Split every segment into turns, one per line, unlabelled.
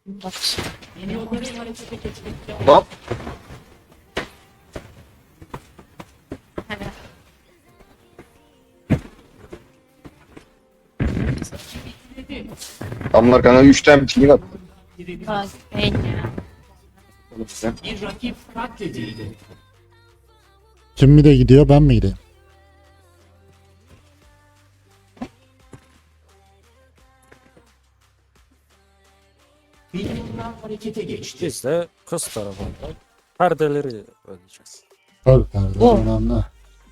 Bak.
Hop.
Evet.
Adamlar kanka 3 tane ping attı.
Bak. Ben ya.
Bir rakip katledildi.
Kim mi de gidiyor ben mi gideyim?
Milyonlar harekete geçti.
Biz de kız tarafında perdeleri ödeyeceğiz.
Tabii perde
Oh.
önemli.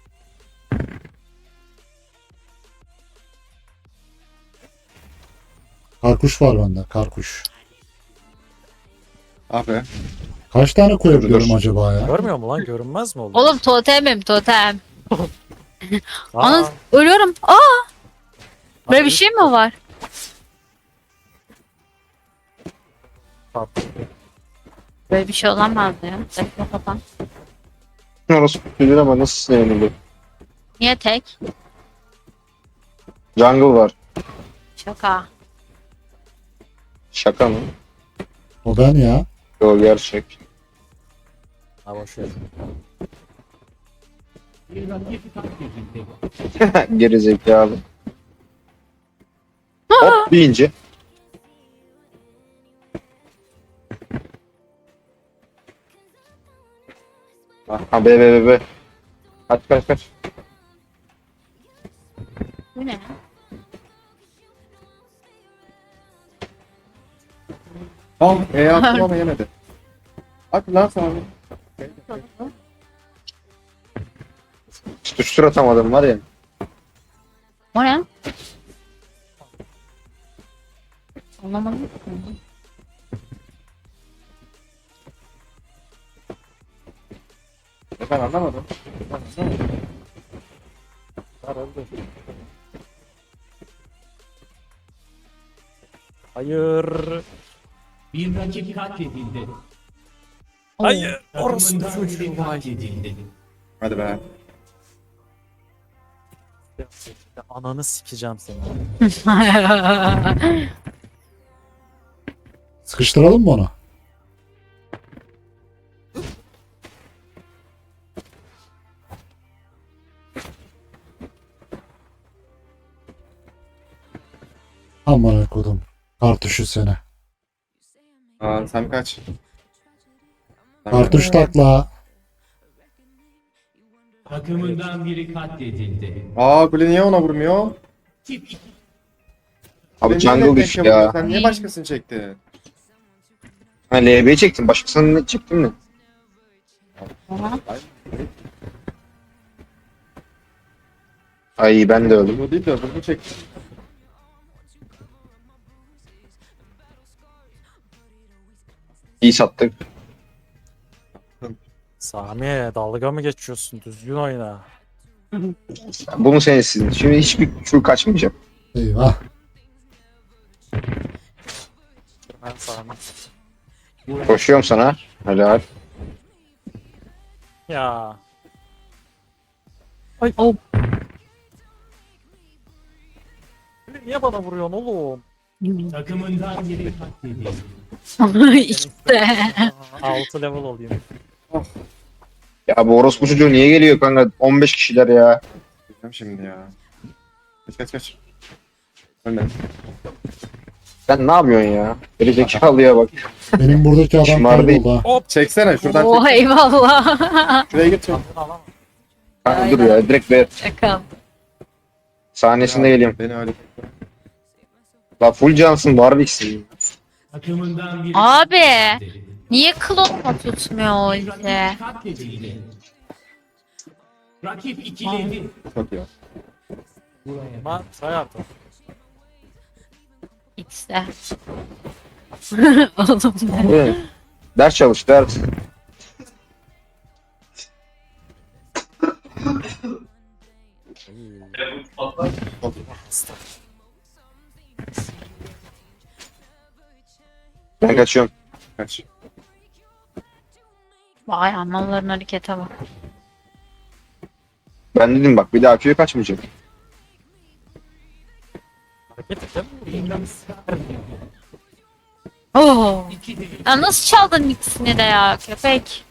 Karkuş var bende karkuş.
Abi.
Kaç tane koyabiliyorum
Dur.
acaba ya?
Görmüyor mu lan? Görünmez mi oldu?
Oğlum totemim totem.
Aa,
Ana ölüyorum. Aa, böyle bir şey mi var?
tatlı.
Böyle bir şey olamaz ya. Saçma sapan.
Orası bilir ama nasıl sinirlenildi?
Niye tek?
Jungle var.
Şaka.
Şaka mı?
O ben ya.
Yo gerçek.
Ha boş ver.
Bir rakip katledildi.
Geri zekalı. Hop deyince. Ha be be be be. Kaç kaç kaç.
Bu ne?
Tamam attım ama yemedi. At lan sana. Tutuştur atamadım var ya.
O ne? Anlamadım.
Ben anlamadım.
Hayır.
Bir rakip katledildi.
Hayır. Orası
Takımından biri
çocuğu. Vay.
katledildi.
Hadi be.
Ananı sikeceğim seni.
Sıkıştıralım mı onu? Aman kodum. Kartuşu seni.
Aa sen kaç.
Kartuş takla.
Takımından biri katledildi.
Aa kule niye ona vurmuyor?
Tip 2
Abi
Kule niye
jungle
tek
düştü
vuruyor?
ya.
Sen niye başkasını çektin?
Ha LB'yi çektim. Başkasını ne çektin mi? Ay ben de öldüm.
Bu değil de bunu çektin.
İyi sattık.
Sami dalga mı geçiyorsun? Düzgün oyna.
Bunu sen istedin. Şimdi hiçbir Q kaçmayacak.
Eyvah.
Ben Sami.
Koşuyorum sana. Helal.
Ya.
Oh.
Niye bana vuruyorsun oğlum?
takımından biri katledildi.
işte.
6 level olayım.
Ya bu orospu çocuğu niye geliyor kanka? 15 kişiler ya.
Bilmem şimdi ya. Kaç. Ölme.
Sen ne yapıyorsun ya? Geri zekalıya bak.
Benim buradaki adam
Şımardı.
kayboldu ha.
Çeksene şuradan
Oh
çek.
eyvallah.
Şuraya git çek.
Kanka dur ya direkt ver.
Şaka.
Sahnesinde geliyorum.
Beni öyle.
La full cansın Warwick'sin.
Takımından biri
Abi.
katledildi.
Niye klonla tutmuyor o
Bir
ulti?
rakip katledildi. Rakip ikiledi.
Çok iyi.
Ama try artık.
X'de. Oğlum ne?
Evet. Ders çalış ders. Ben kaçıyorum.
Kaç.
Vay analların harekete bak.
Ben dedim bak bir daha Q'ya kaçmayacak.
Hareket edemiyorum.
Oo.
2'de 2.
Ya nasıl çaldın ikisini de ya köpek?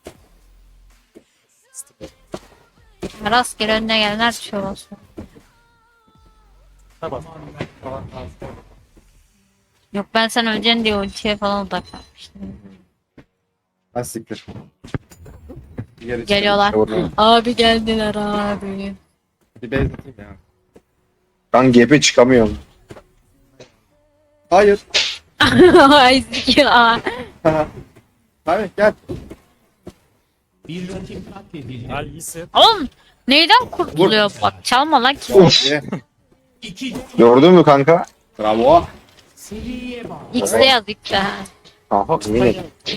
Rastgele önüne gelenler düşüyor olsun.
Tamam.
Yok ben sen öleceksin diye ultiye falan odaklanmıştım.
Ha siktir. Geri
Geliyorlar.
Orada.
Abi geldiler abi.
Bir base atayım ya.
Ben GP çıkamıyorum.
Hayır.
Ay ya.
Hayır gel.
Bir rakip katledildi.
Gel iyisin.
Oğlum neyden kurtuluyor bak çalma lan ki.
Of.
Ye.
2'de
Gördün mü kanka?
Bravo.
seriye bağlı.
X'de yaz X'de.
Aha yine.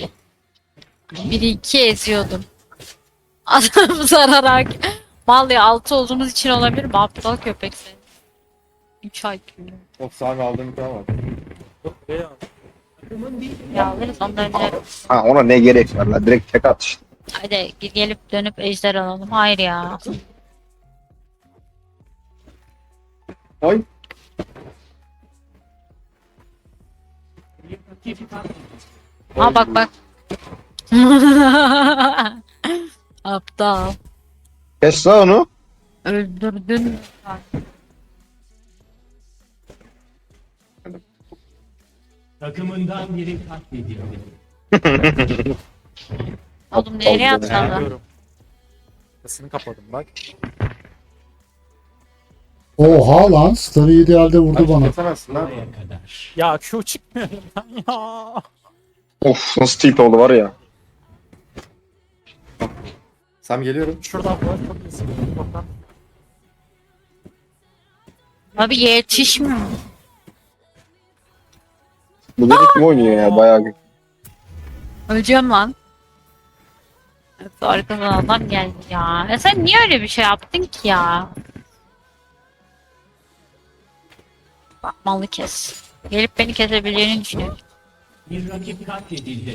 1-2 eziyordum. Adam zararak. Mal ya 6 olduğumuz için olabilir mi? Aptal köpek sen. 3 IQ.
Of Sami aldığım bir var.
Yok be ya.
Ya alırız ondan önce.
Ha ona ne gerek var la? Direkt tek at işte.
Hadi gelip dönüp ejder alalım. Hayır ya.
Oy.
Bir rakip katledildi.
Ha bak bak. Aptal.
Kes la onu.
Öldürdün.
Takımından biri katledildi.
Oğlum nereye
Aptal
atladı?
Geliyorum. Sesini kapadım bak.
Oha lan. Star'ı idealde vurdu bana.
Kesemezsin lan.
Buraya kadar.
Ya Q çıkmıyor lan ya.
Of nasıl tilt oldu var ya.
Sami geliyorum.
Şuradan var çok iyisin. Bakalım.
Abi yetişmiyor.
Bu da kim oynuyor ya bayağı.
Öleceğim lan. Evet, arkadan adam geldi ya. Ya sen niye öyle bir şey yaptın ki ya? Bak malı kes. Gelip beni kesebileceğini düşünüyorum.
Bir rakip katledildi.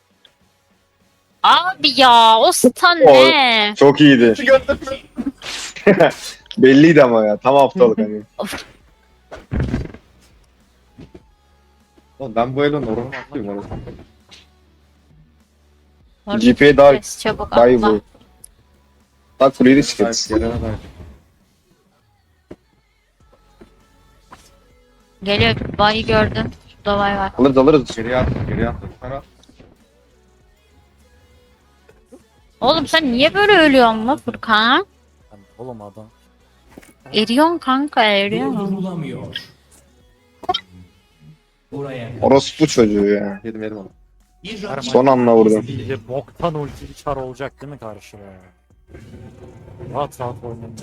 Abi ya o stun ne?
Çok iyiydi. Belliydi ama ya. Tam haftalık hani.
Oğlum ben bu elon oranı atlıyım orası.
GP'ye daha
Kes çabuk
daha iyi
atla.
bu. Tak kuleyi de
Hayır,
sikeriz.
gelene dair.
Geliyor bayı gördüm. Şurada bay var.
Alırız alırız.
Geriye at, geriye at. Sana
Oğlum sen niye böyle ölüyorsun la Furkan?
Lan oğlum adam.
Eriyorsun kanka eriyorsun.
Durdurulamıyor. Buraya kadar.
Orospu çocuğu ya.
yedim onu.
Bir rakip
Son anda vurdum.
Bir de boktan ultili çar olacak değil mi karşıya? Rahat rahat oynayın.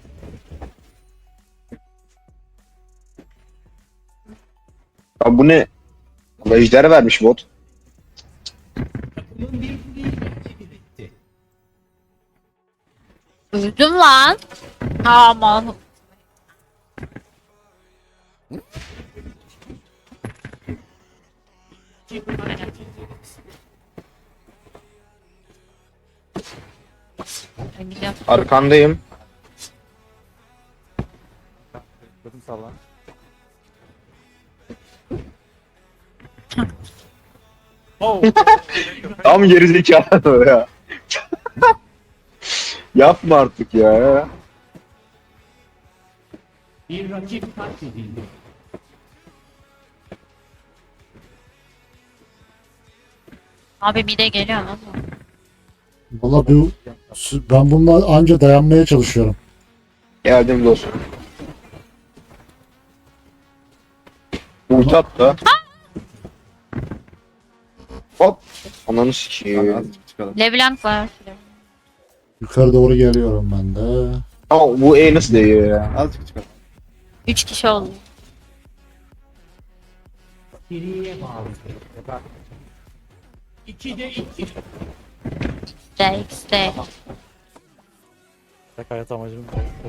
Ya bu ne? Allah ejder vermiş bot.
takımın bir kuleyi katledebildi.
Öldüm lan. Aman.
Rakip katledildi.
Ben gidiyorum.
Arkandayım.
Dedim salla. Oh.
Tam gerizekalı ya. Yapma artık ya.
Bir rakip katledildi.
Abi bir de geliyor ama.
Valla ben bununla anca dayanmaya çalışıyorum.
Geldim dostum. Ulti attı. Hop. Ananı
Sami
sikeyim.
azıcık çıkalım.
Leblanc var.
Yukarı doğru geliyorum ben de.
Ama bu E nasıl değiyor ya?
Azıcık çıkalım.
3 kişi oldu.
Seriye bağlı. 2'de 2.
DX'de.
Tek hayat amacım.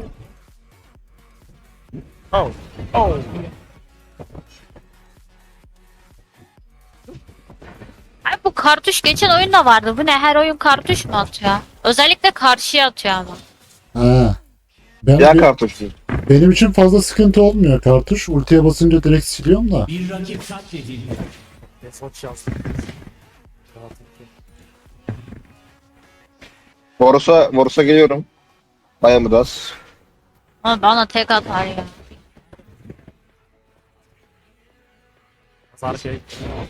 Oh. Oh.
Ay bu kartuş geçen oyunda vardı. Bu ne? Her oyun kartuş mu atıyor? Özellikle karşıya atıyor ama.
Ha.
Ya kartuş mu?
Benim için fazla sıkıntı olmuyor kartuş. Ultiye basınca direkt siliyorum da.
Bir rakip katledildi.
Desoç yazdım. Rahatım ki.
Voros'a geliyorum. Dayanmaz.
Ama bana tek atar ya.
Pazar şey.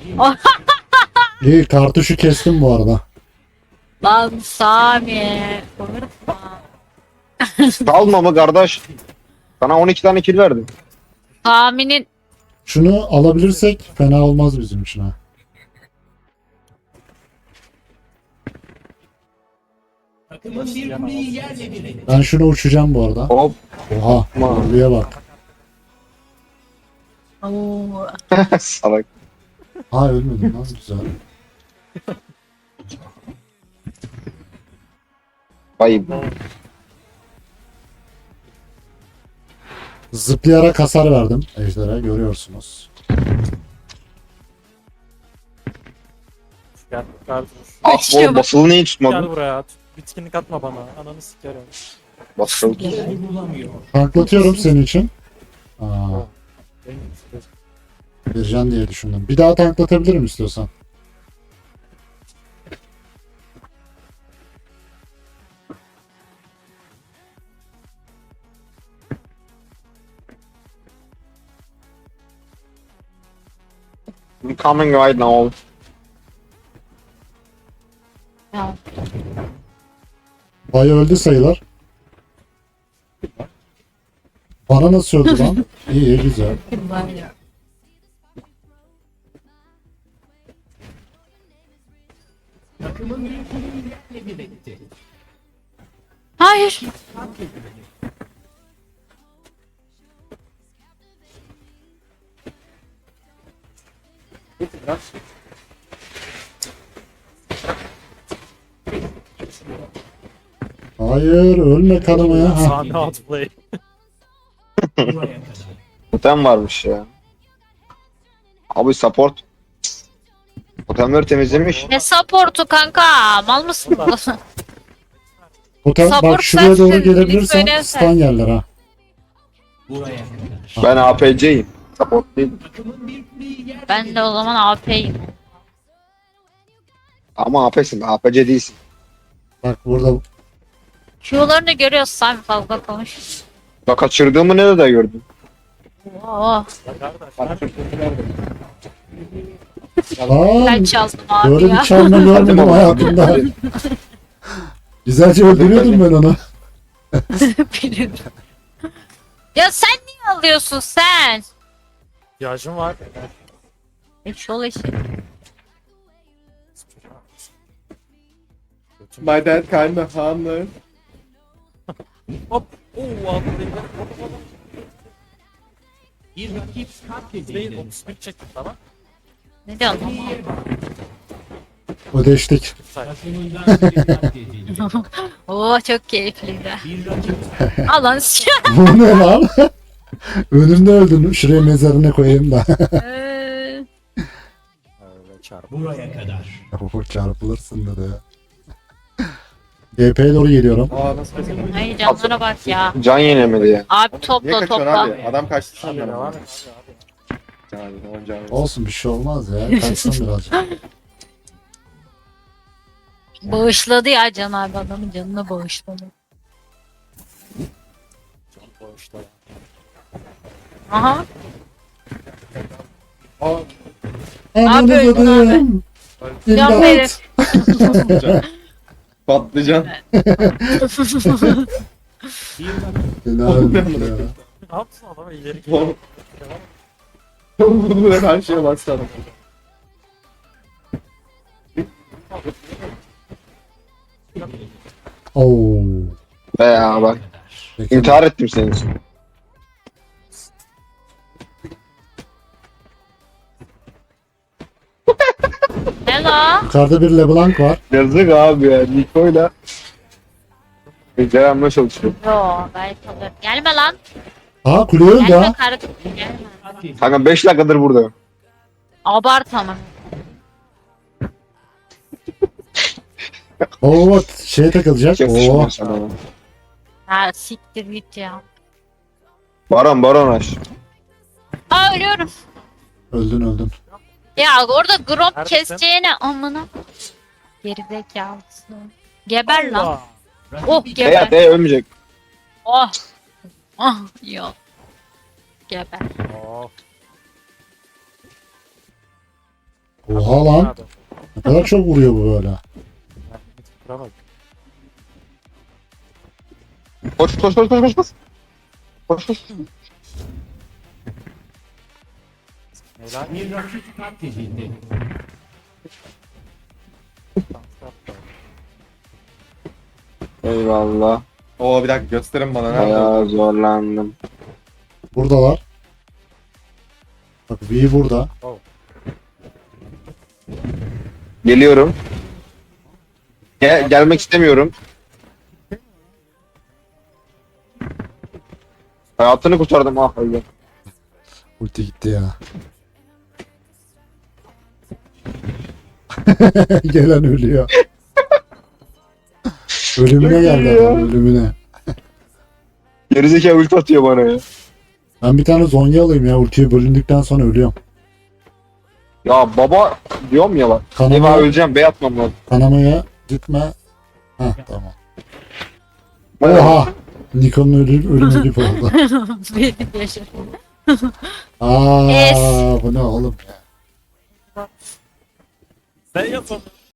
İyi kartuşu kestim bu arada.
Lan Sami. Konurma.
Kalma mı kardeş? Sana 12 tane kill verdim.
Sami'nin
Şunu alabilirsek fena olmaz bizim için ha.
Takımın bir kuleyi yerle bir etti.
Ben şunu uçacağım bu arada.
Hop.
Oha. Buraya bak.
Oo.
Salak.
Ha ölmedim lan güzel.
Vay.
Zıplayarak hasar verdim ejderha görüyorsunuz.
Gel kardeş.
Ah
İşte
oğlum basılı niye
Gel
tutmadın?
buraya. Bitkinlik atma bana. Ananı sikerim.
Basılı.
Vurulamıyor.
Tanklatıyorum senin için. Aa,
Benim
vereceğim diye düşündüm. Bir daha tanklatabilirim istiyorsan.
I'm coming right now.
Ya.
Bay öldü sayılır. Bana nasıl öldü lan? İyi güzel.
Var ya.
Takımın bir kuleyi yerle bir etti.
Hayır.
Hayır ölme kanamaya. Ha.
Sami outplay.
Buraya kadar.
Totem varmış ya. Abi support. Totemleri temizlemiş.
Ne supportu kanka? Mal mısın?
Totem,
Support
bak şuraya doğru
sensin,
gelebilirsen
lütfen.
stun yerler ha.
Buraya kadar.
Ben APC'yim. Support değil.
Takımın bir kuleyi yerle
Ben de o zaman AP'yim.
Ama AP'sin. APC değilsin.
Bak burada
Q'larını görüyoruz Sami, fazla konuş.
Bak kaçırdığımı nerede gördün?
Oo.
Ya kardeş.
Aa,
Ben çaldım abi
böyle
ya.
bir çalma görmedim hayatımda. Güzelce öldürüyordum ben onu.
Biliyorum. Ya sen niye alıyorsun sen?
İhtiyacım var.
Eşol eşi.
My dad kinda hammer.
Hop. Oo outplay.
Bir rakip
Değil
katledildi.
31 çektim tamam.
Ne diyorsun?
Kuleye bak.
Ödeştik.
Takımından biri katledildi.
Oo çok keyifliydi.
Bir rakip
Alın.
Bu ne lan? Önümde öldün. Şuraya mezarına koyayım da.
Öyle çarpı.
buraya kadar.
Çarpılırsın dedi ya. GP'ye doğru geliyorum.
Aa nasıl kaçırdın?
Ay canlara bak ya.
Can yenemedi ya.
Abi
Niye
topla
kaçıyorsun
topla.
abi? Adam kaçtı
Hadi
senden
devam
ama.
et.
Can abi, on can abi.
Olsun bir şey olmaz ya. Kaçsın birazcık.
Bağışladı ya Can abi, adamın canına bağışladı.
Can bağışla.
Aha.
Aa,
Ananı
öldün
dedim.
Can verin.
İmdat.
patlıcan.
Bir rakip
Helal ya.
Ne yaptın adama ileri gidiyor.
Oğlum. Vurdu ve her şeye bastı adam.
Oo.
Be ya bak. İntihar ettim senin için.
Hello.
Yukarıda bir LeBlanc var.
Yazık abi ya. Niko'yla. Beceremeye çalışıyor.
Yo belki olur. Gelme lan.
Aa kule öldü
Gelme
ha.
kardeşim. Gelme.
katledildi.
Kanka 5 dakikadır burada.
Abart ama.
Oo bak şeye takılacak. Oo.
Yakışmıyor sana.
Ha siktir git ya.
Baron aç.
Aa ölüyorum.
Öldün öldün.
Ya orada grop
Neredesin?
keseceğine amına. Gerizekalısın. Geber lan.
Allah.
Oh
Beyat
geber.
ölmeyecek.
Oh. Oh yok. Geber.
Of.
Oha lan.
Nerede?
Ne kadar çok vuruyor bu böyle.
Ben bir tıkıra bak.
Koş koş koş koş koş. Koş koş. Koş.
Helal.
Bir rakip katledildi.
Eyvallah.
Oo bir dakika gösterin bana nerede?
Bayağı zorlandım.
Buradalar. Bak V burada.
Geliyorum. Gelmek istemiyorum. Hayatını kurtardım ah hayır.
Ulti gitti ya. Gelen ölüyor. Ölümüne geldi adam, ölümüne.
Gerizekalı ulti atıyor bana ya.
Ben bir tane zonya alayım ya, ultiye bölündükten sonra ölüyorum.
Ya baba diyorum ya bak. Eyvah
Kanamaya,
öleceğim bey atmam lazım.
kanamaya gitme. Heh tamam.
Oha.
Oha! Nikon'un ölümü gibi oldu.
Benim yaşım.
Aa,
Es.
bu ne oğlum ya?
Sen yapamıyorsun.